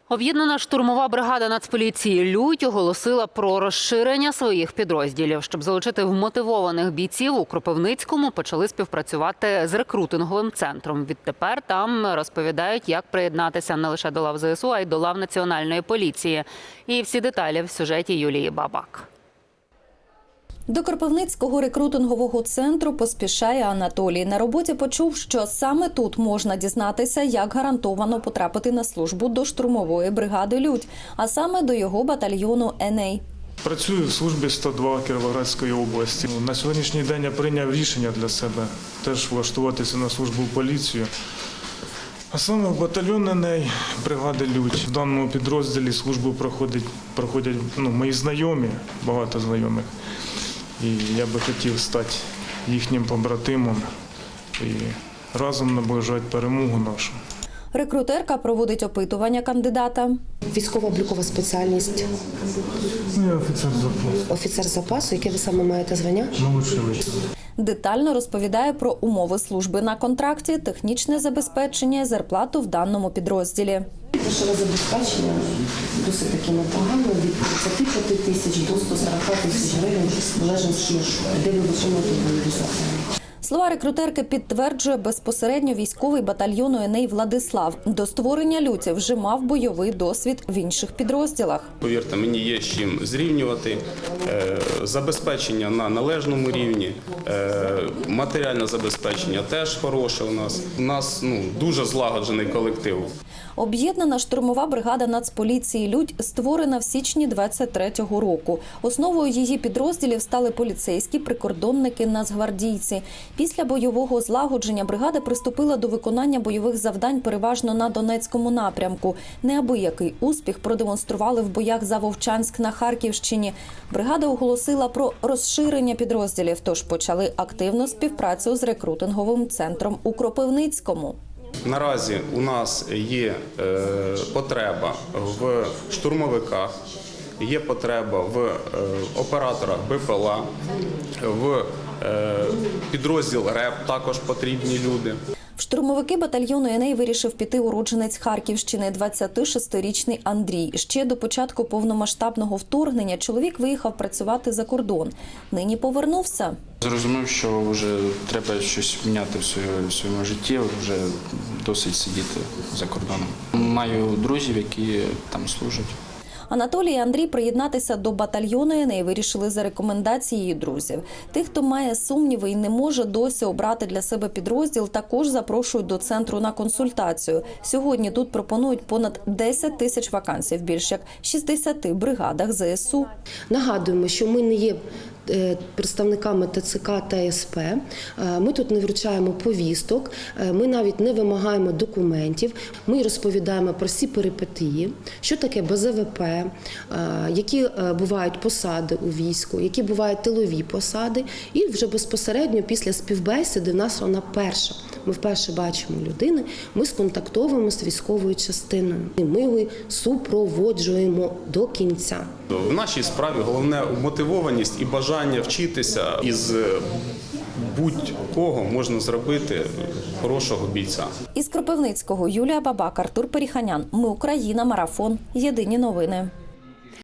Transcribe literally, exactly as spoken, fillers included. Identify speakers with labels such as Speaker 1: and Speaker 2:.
Speaker 1: Об'єднана штурмова бригада Нацполіції «Людь» оголосила про розширення своїх підрозділів. Щоб залучити вмотивованих бійців, у Кропивницькому почали співпрацювати з рекрутинговим центром. Відтепер там розповідають, як приєднатися не лише до лав ЗСУ, а й до лав Національної поліції. І всі деталі в сюжеті Юлії Бабак.
Speaker 2: До Кропивницького рекрутингового центру поспішає Анатолій. На роботі почув, що саме тут можна дізнатися, як гарантовано потрапити на службу до штурмової бригади «Людь», а саме до його батальйону «Ен Ей».
Speaker 3: Працюю в службі сто два Кіровоградської області. На сьогоднішній день я прийняв рішення для себе теж влаштуватися на службу в поліцію. А саме в батальйон «Ен Ей» бригади «Людь». В даному підрозділі службу проходять, проходять ну, мої знайомі, багато знайомих. І я би хотів стати їхнім побратимом і разом наближати перемогу нашу.
Speaker 2: Рекрутерка проводить опитування кандидата.
Speaker 4: Військово-облікова спеціальність.
Speaker 3: Я офіцер запасу.
Speaker 4: Офіцер запасу. Яке ви саме маєте звання?
Speaker 3: Молодший лейтенант.
Speaker 2: Детально розповідає про умови служби на контракті, технічне забезпечення і зарплату в даному підрозділі.
Speaker 4: Грошове забезпечення досить таки непогано, від тридцяти п'яти тисяч до ста сорока тисяч гривень, в залежності, де ви виконуєте бойові завдання.
Speaker 2: Слова рекрутерки підтверджує безпосередньо військовий батальйону «Ен Ей» Владислав. До створення «Люті» вже мав бойовий досвід в інших підрозділах.
Speaker 5: Повірте, мені є з чим зрівнювати. Забезпечення на належному рівні, матеріальне забезпечення теж хороше у нас. У нас ну, дуже злагоджений колектив.
Speaker 2: Об'єднана штурмова бригада Нацполіції «Людь» створена в січні двадцять третього року. Основою її підрозділів стали поліцейські, прикордонники, нацгвардійці. Після бойового злагодження бригада приступила до виконання бойових завдань переважно на Донецькому напрямку. Неабиякий успіх продемонстрували в боях за Вовчанськ на Харківщині. Бригада оголосила про розширення підрозділів, тож почали активну співпрацю з рекрутинговим центром у Кропивницькому.
Speaker 5: Наразі у нас є е, потреба в штурмовиках, є потреба в е, операторах Бе Пе Ел А, в е, підрозділ РЕП також потрібні люди.
Speaker 2: В штурмовики батальйону «Ен Ей» вирішив піти уродженець Харківщини, двадцятишестирічний Андрій. Ще до початку повномасштабного вторгнення чоловік виїхав працювати за кордон. Нині повернувся.
Speaker 6: Зрозумів, що вже треба щось міняти в своєму, в своєму житті, вже досить сидіти за кордоном. Маю друзів, які там служать.
Speaker 2: Анатолій і Андрій приєднатися до батальйону «Ен Ей» вирішили за рекомендацією друзів. Тих, хто має сумніви і не може досі обрати для себе підрозділ, також запрошують до центру на консультацію. Сьогодні тут пропонують понад десять тисяч вакансій в більш як шістдесяти бригадах Зе Ес У.
Speaker 4: Нагадуємо, що ми не є представниками Те Це Ка та Ес Пе. Ми тут не вручаємо повісток, ми навіть не вимагаємо документів. Ми розповідаємо про всі перипетії, що таке Бе Зе Ве Пе, які бувають посади у війську, які бувають тилові посади. І вже безпосередньо після співбесіди в нас вона перша. Ми вперше бачимо людини, ми сконтактовуємо з військовою частиною. Ми його супроводжуємо до кінця.
Speaker 5: В нашій справі головне мотивованість і бажання вчитися. Із будь-кого можна зробити хорошого бійця.
Speaker 2: Із Кропивницького Юлія Бабак, Артур Періханян. Ми Україна. Марафон. Єдині новини.